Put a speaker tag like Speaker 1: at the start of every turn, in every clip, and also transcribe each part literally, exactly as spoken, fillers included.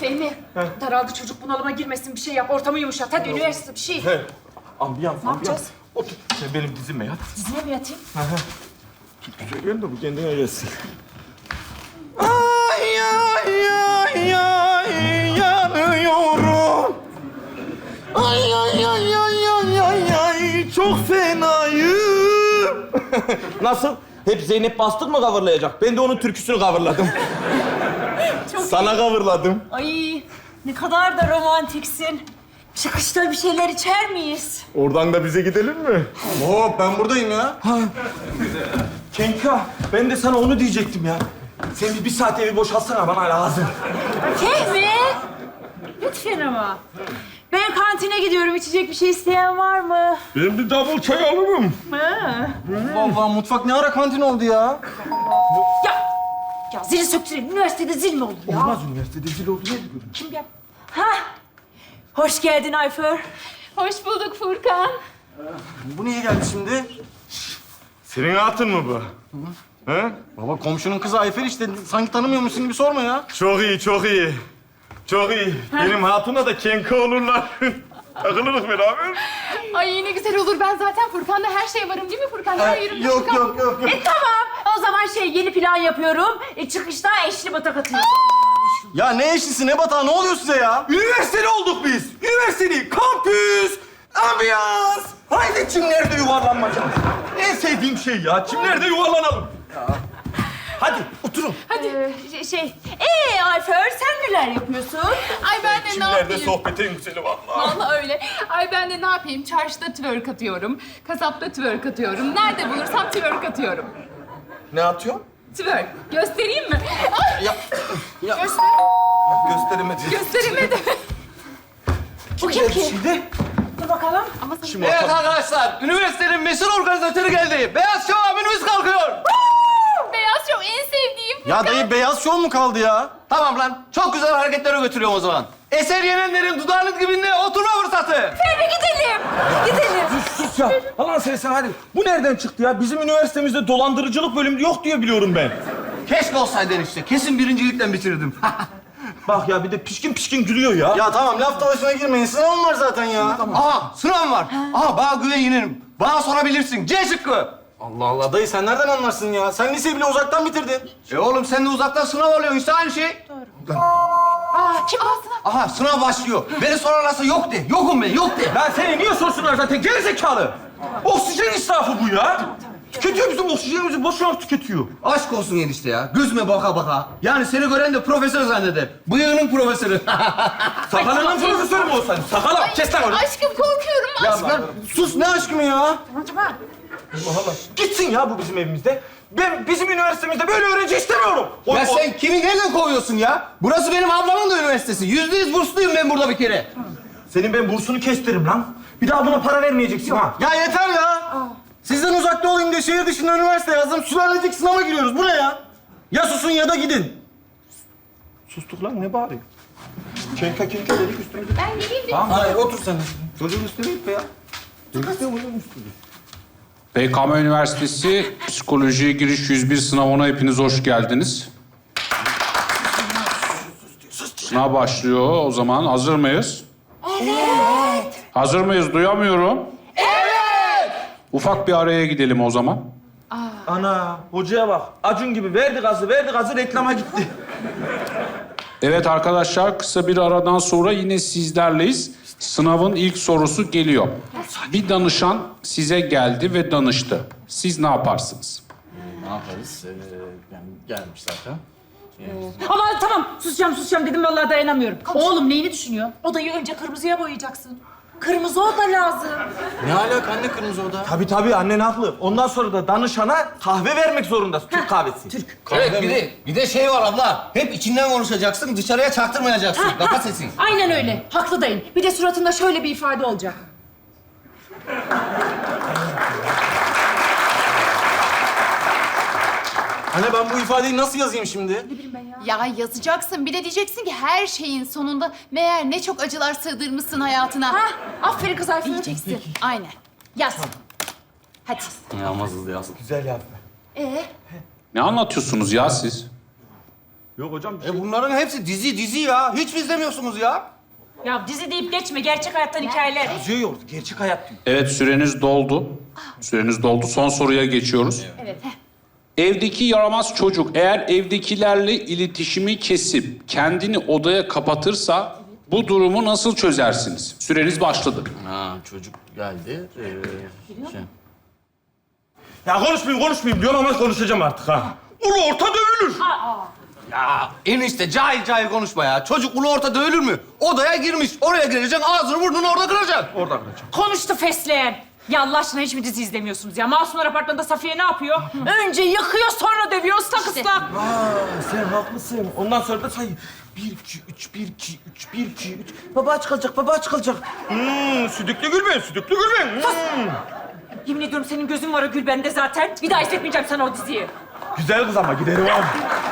Speaker 1: Fehmi, daraldı çocuk, bunalıma girmesin, bir şey yap. Ortamı yumuşat. Hadi üniversite bir şey.
Speaker 2: He. Ambiyans,
Speaker 1: Ne
Speaker 2: ambiyans.
Speaker 1: yapacağız?
Speaker 2: Otur. Sen benim dizime yat.
Speaker 1: Dizine mi yatayım?
Speaker 2: Söyleyeyim de bu kendine gelsin. Ay ay ay ay yanıyorum. Ay ay ay ay ay ay ay çok fenayım. Nasıl? Hep Zeynep Bastık mı coverlayacak? Ben de onun türküsünü coverladım.
Speaker 1: Çok
Speaker 2: Sana coverladım.
Speaker 1: Ay, ne kadar da romantiksin. Çıkışta bir şeyler içer miyiz?
Speaker 2: Oradan da bize gidelim mi?
Speaker 3: Hop ben buradayım ya.
Speaker 2: Kenka, ben de sana onu diyecektim ya. Sen bir, bir saat evi boşaltsana, bana lazım.
Speaker 1: Fehmi! Lütfen ama. Ben kantine gidiyorum. İçecek bir şey isteyen var mı?
Speaker 2: Ben bir double çay alırım.
Speaker 1: Ha.
Speaker 3: Vallahi mutfak ne ara kantin oldu ya?
Speaker 1: Ya! Ya zili söktürelim. Üniversitede zil mi olur ya?
Speaker 2: Olmaz, üniversitede zil oldu ne diyorum?
Speaker 1: Kim yap? Ha! Hoş geldin Ayfer.
Speaker 4: Hoş bulduk Furkan.
Speaker 3: Bu niye geldi şimdi?
Speaker 2: Senin hatun mu bu? He?
Speaker 3: Baba komşunun kızı Ayfer işte. Sanki tanımıyormuşsun gibi sorma ya.
Speaker 2: Çok iyi, çok iyi. Çok iyi. Benim hatuna da kenka olurlar. Takılırız beraber.
Speaker 4: Ay ne güzel olur. Ben zaten Furkan'da her şey varım değil mi Furkan? Her yerim
Speaker 3: Yok
Speaker 4: Furkan.
Speaker 3: yok yok yok.
Speaker 1: E tamam. O zaman şey yeni plan yapıyorum. E, çıkışta eşli batak atıyorum.
Speaker 3: Ya ne eşlisi ne batağı ne oluyor size ya?
Speaker 2: Üniversiteli olduk biz. Üniversiteli, kampüs, ambiyans. Haydi çimlerde yuvarlanmaca. En sevdiğim şey ya, çimlerde yuvarlanalım. Hadi oturun.
Speaker 4: Hadi.
Speaker 1: Ee, şey, ee Ayfer sen neler yapıyorsun?
Speaker 4: Ay ben de ne
Speaker 2: Çimlerde
Speaker 4: yapayım?
Speaker 2: sohbetin güzeli vallahi.
Speaker 4: Vallahi öyle. Ay ben de ne yapayım? Çarşıda twerk atıyorum. Kasapta twerk atıyorum. Nerede bulursam twerk atıyorum.
Speaker 2: Ne atıyor?
Speaker 4: Twerk. Göstereyim mi? Ay,
Speaker 2: Ya, ya
Speaker 4: göster.
Speaker 2: gösteremedi.
Speaker 4: Gösteremedim.
Speaker 1: Bu kim ki?
Speaker 2: Şimdi
Speaker 1: Dur bakalım.
Speaker 4: Ama sana...
Speaker 2: Kim
Speaker 5: Evet arkadaşlar, üniversitenin meşhur organizatörü geldi. Beyaz Şov abimiz kalkıyor.
Speaker 4: Beyaz Show en sevdiğim.
Speaker 3: Ya dayı beyaz şov mu kaldı ya?
Speaker 5: Tamam lan, çok güzel hareketlere götürüyorum o zaman. Eser yenenlerin dudağının dibinde oturma fırsatı.
Speaker 1: Fehmi gidelim. Gidelim.
Speaker 2: sus ya. Allah'ını seversen hadi. Bu nereden çıktı ya? Bizim üniversitemizde dolandırıcılık bölümü yok diye biliyorum ben.
Speaker 5: Keşke olsaydın işte, kesin birincilikten bitirdim.
Speaker 2: Bak ya bir de pişkin pişkin gülüyor ya.
Speaker 3: Ya tamam laf dalaşına girmeyin. Sınavım var zaten ya.
Speaker 5: Aha, sınav var. Aha, bana güven yenerim. Bana sorabilirsin. C şıkkı.
Speaker 3: Allah Allah dayı sen nereden anlarsın ya? Sen liseyi bile uzaktan bitirdin.
Speaker 5: E oğlum sen de uzaktan sınav alıyorsun işte aynı şey.
Speaker 4: Aa kim alsın?
Speaker 5: Aha, sınav başlıyor. Beni sorarlarsa yok de. Yokum ben, yok de.
Speaker 2: Lan seni niye sorsunlar zaten gerizekalı? Oksijen israfı bu ya. Tüketiyor bizim oksijenimizi, boşuna tüketiyor.
Speaker 5: Aşk olsun enişte ya. Gözüme baka baka. Yani seni gören de profesör zanneder. Bıyığının profesörü.
Speaker 2: Sakalının profesörü mü olsaydın? Sakala, kes lan onu.
Speaker 4: Aşkım korkuyorum. Aşkım.
Speaker 3: Ya sus ne aşkımı ya?
Speaker 2: Allah Allah. Gitsin ya bu bizim evimizde. Ben bizim üniversitemizde böyle öğrenci istemiyorum. O,
Speaker 5: Ya
Speaker 2: o-
Speaker 5: sen kimi nereden kovuyorsun ya? Burası benim ablamın da üniversitesi. Yüzde yüz bursluyum ben burada bir kere.
Speaker 2: Senin ben bursunu kestirim lan. Bir daha buna para vermeyeceksin ha.
Speaker 3: Ya yeter ya. Sizden uzakta olayım diye şehir dışında üniversite yazdım. Sülalecek sınava giriyoruz. Bu ne ya? Ya susun ya da gidin.
Speaker 2: Sustuk lan ne bağırıyor? Kenka kenka dedik üstümüze.
Speaker 4: Ben geleyim de.
Speaker 3: Hayır otur sen.
Speaker 5: Çocuğun üstüne gitme ya.
Speaker 6: B K M Üniversitesi Psikolojiye Giriş yüz bir sınavına hepiniz hoş geldiniz. Sınav başlıyor o zaman. Hazır mıyız? Evet. Hazır mıyız? Duyamıyorum. Evet. Ufak bir araya gidelim o zaman.
Speaker 2: Ana hocaya bak. Acun gibi verdi gazı verdi gazı reklama gitti.
Speaker 6: Evet arkadaşlar, kısa bir aradan sonra yine sizlerleyiz. Sınavın ilk sorusu geliyor. Bir danışan size geldi ve danıştı. Siz ne yaparsınız?
Speaker 3: Ne yaparız? Ee, yani gelmiş zaten.
Speaker 1: Ama tamam susacağım susacağım dedim vallahi dayanamıyorum. Oğlum neyini düşünüyor? Odayı önce kırmızıya boyayacaksın. Kırmızı oda lazım.
Speaker 3: Ne alaka anne kırmızı oda?
Speaker 2: Tabii tabii annen haklı. Ondan sonra da danışana kahve vermek zorundasın. Türk kahvesi. Türk.
Speaker 5: Evet bir de, bir de şey var abla. Hep içinden konuşacaksın, dışarıya çaktırmayacaksın. Kapat sesini.
Speaker 1: Aynen öyle. Haklı dayın. Bir de suratında şöyle bir ifade olacak.
Speaker 3: Anne ben bu ifadeyi nasıl yazayım şimdi?
Speaker 4: Ya yazacaksın. Bir de diyeceksin ki her şeyin sonunda meğer ne çok acılar sığdırmışsın hayatına.
Speaker 1: Hah, aferin kız Ayfer.
Speaker 4: Diyeceksin. Aynen. Yaz. Hadi.
Speaker 3: Yalmaz hızlı yaz.
Speaker 2: Güzel yazma.
Speaker 4: Ee?
Speaker 6: Ne anlatıyorsunuz ya siz?
Speaker 2: Yok hocam. bir
Speaker 5: E
Speaker 2: şey-
Speaker 5: bunların hepsi dizi dizi ya. Hiç mi izlemiyorsunuz ya?
Speaker 1: Ya dizi deyip geçme. Gerçek hayattan hikayeler.
Speaker 2: Diyor ya orada, gerçek hayat diyor.
Speaker 6: Evet, süreniz doldu. Süreniz doldu. Son soruya geçiyoruz.
Speaker 4: Evet.
Speaker 6: Evdeki yaramaz çocuk eğer evdekilerle iletişimi kesip kendini odaya kapatırsa bu durumu nasıl çözersiniz? Süreniz başladı.
Speaker 5: Ha çocuk geldi. Ee, şey.
Speaker 2: Ya konuşmayayım konuşmayayım diyorum ama konuşacağım artık ha. Ulu orta dövülür.
Speaker 5: Ya enişte cahil cahil konuşma ya. Çocuk ulu orta dövülür mü? Odaya girmiş. Oraya gireceksin. Ağzını burnunu orada kıracaksın.
Speaker 2: Orada kıracağım.
Speaker 1: Konuştu fesleğen. Ya Allah aşkına hiç mi dizi izlemiyorsunuz ya? Masumlar Apartmanı'nda Safiye ne yapıyor? Önce yakıyor sonra dövüyor ıslak ıslak.
Speaker 2: Aa, sen haklısın. Ondan sonra da say. Bir, iki, üç, bir, iki, üç, bir, iki, üç. Baba aç kalacak, baba aç kalacak. Hmm, südüklü gülben, südüklü gülben. Hmm.
Speaker 1: Yemin ediyorum senin gözün var o Gülben'de zaten. Bir daha izletmeyeceğim sana o diziyi.
Speaker 2: Güzel kız ama gideri var.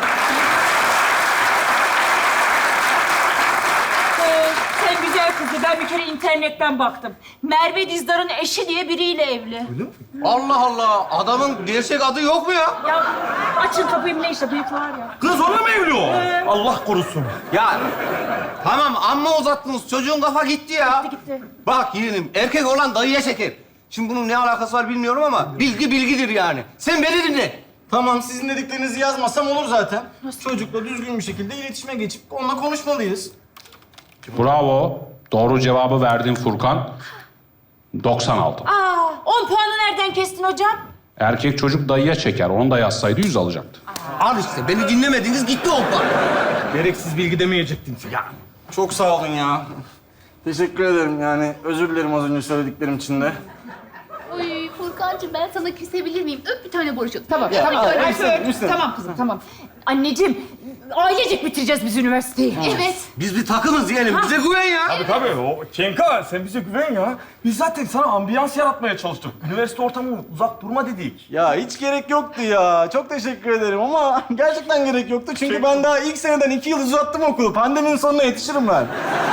Speaker 1: Ee, sen güzel kızı. Ben bir kere internetten baktım. Merve Dizdar'ın eşi diye biriyle evli.
Speaker 5: Allah Allah. Adamın gerçek adı yok mu ya?
Speaker 1: Ya açın kapıyı ne işte bıyık var ya.
Speaker 2: Kız onunla mı evli o? Allah korusun.
Speaker 5: Ya tamam amma uzattınız. Çocuğun kafa gitti ya.
Speaker 1: Gitti, gitti.
Speaker 5: Bak yeğenim erkek olan dayıya çeker. Şimdi bunun ne alakası var bilmiyorum ama bilgi bilgidir yani. Sen beni dinle.
Speaker 3: Tamam, sizin dediklerinizi yazmasam olur zaten. Çocukla düzgün bir şekilde iletişime geçip onunla konuşmalıyız.
Speaker 6: Bravo. Doğru cevabı verdin Furkan. doksan altı.
Speaker 1: Aa, on puanı nereden kestin hocam?
Speaker 6: Erkek çocuk dayıya çeker. Onu da yazsaydı yüz alacaktı.
Speaker 5: Al işte beni dinlemediniz gitti o puan.
Speaker 2: Gereksiz bilgi demeyecektin. Ya.
Speaker 3: Çok sağ olun ya. Teşekkür ederim yani. Özür dilerim az önce söylediklerim için de.
Speaker 4: Oy Furkancığım ben sana küsebilir miyim? Öp bir tane Boruş'u.
Speaker 1: Tamam, tamam.
Speaker 3: ay,
Speaker 1: Ay,
Speaker 3: müsaade,
Speaker 1: öp.
Speaker 3: müsaade.
Speaker 1: Tamam kızım, tamam. Anneciğim, ailecek bitireceğiz biz üniversiteyi.
Speaker 4: Evet.
Speaker 5: Biz bir takımız yeğenim. Bize güven ya.
Speaker 2: Tabii tabii. O Kenka sen bize güven ya. Biz zaten sana ambiyans yaratmaya çalıştık. Üniversite ortamı uzak durma dedik.
Speaker 3: Ya hiç gerek yoktu ya. Çok teşekkür ederim ama gerçekten gerek yoktu. Çünkü ben daha ilk seneden iki yıl uzattım okulu. Pandeminin sonuna yetişirim ben.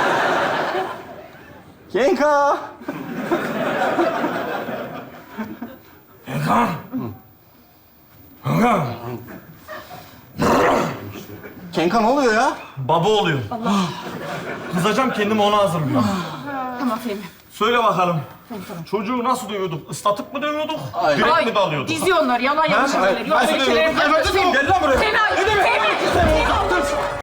Speaker 3: Kenka.
Speaker 2: Kenka. Kenka.
Speaker 3: Kenka ne oluyor ya?
Speaker 2: Baba oluyor. Allah. Kızacağım kendimi ona hazırlıyorum.
Speaker 1: Tamam Fehmi.
Speaker 2: Söyle bakalım. Çocuğu nasıl dövüyorduk? Islatıp mı dövüyorduk? Direkt mi dalıyorduk?
Speaker 1: Dizi onlar, yalan yanlış
Speaker 2: Ha?
Speaker 1: haberler. Yok
Speaker 2: Nasıl
Speaker 1: öyle şeyler.
Speaker 2: dövüyorduk?
Speaker 1: Fehmi,
Speaker 2: Gel lan buraya.
Speaker 1: Fehmi,
Speaker 2: Ne demek?
Speaker 1: Fehmi, Fehmi.